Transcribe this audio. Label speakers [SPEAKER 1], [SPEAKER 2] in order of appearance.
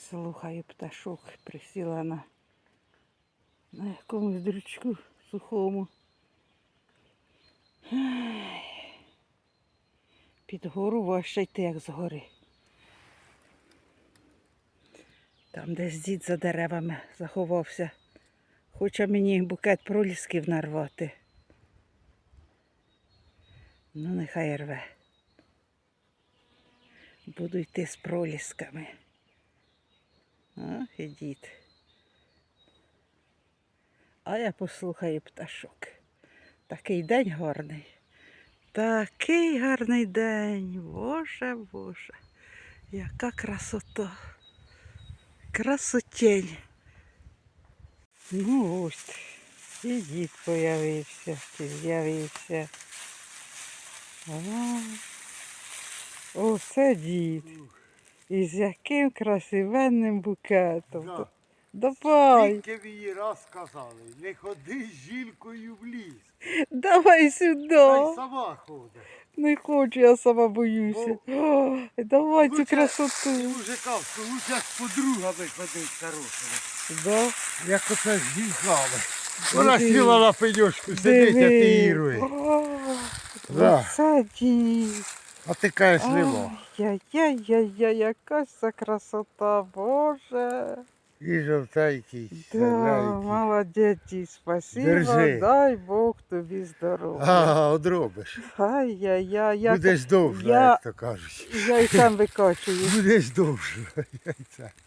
[SPEAKER 1] Слухаю пташок, присіла на якомусь дрючку сухому. Під гору важче йти, як з гори. Там десь дід за деревами заховався. Хоче мені букет пролісків нарвати. Ну, нехай рве. Буду йти з пролісками. Ох, і дід. А я послухаю пташок. Такий день гарний. Такий гарний день. Боже, Боже. Яка красота. Красотень. Ну ось. І дід появився. Чи з'явився. Оце дід. І з яким красивенним букетом.
[SPEAKER 2] Да.
[SPEAKER 1] Давай.
[SPEAKER 2] Тільки мені раз сказали, не ходи з жінкою в ліс.
[SPEAKER 1] Давай сюди.
[SPEAKER 2] Та й сама ходить.
[SPEAKER 1] Не хочу, я сама боюся. О, давай цю
[SPEAKER 2] Лучше- І
[SPEAKER 1] красоту.
[SPEAKER 2] мужикам, що лучше з подругами ходить хорошими.
[SPEAKER 1] Да.
[SPEAKER 2] Як оце з жінками. Вона сіла на пеньочку, сидить, а
[SPEAKER 1] Диви.
[SPEAKER 2] ти ірує.
[SPEAKER 1] О,
[SPEAKER 2] Да.
[SPEAKER 1] Оце дід.
[SPEAKER 2] А ти кажеш, нема.
[SPEAKER 1] Яй-яй-яй-яй, яка це красота, Боже.
[SPEAKER 2] І жовтенький,
[SPEAKER 1] Да,
[SPEAKER 2] зеленький.
[SPEAKER 1] молодець, дід, спасибо,
[SPEAKER 2] Держи.
[SPEAKER 1] дай Бог тобі здоров'я.
[SPEAKER 2] Ага, одробиш.
[SPEAKER 1] Ай-яй-яй,
[SPEAKER 2] Будеш довше,
[SPEAKER 1] я-
[SPEAKER 2] як то кажуть.
[SPEAKER 1] я й сам викачую.
[SPEAKER 2] Будеш довше. Яйця.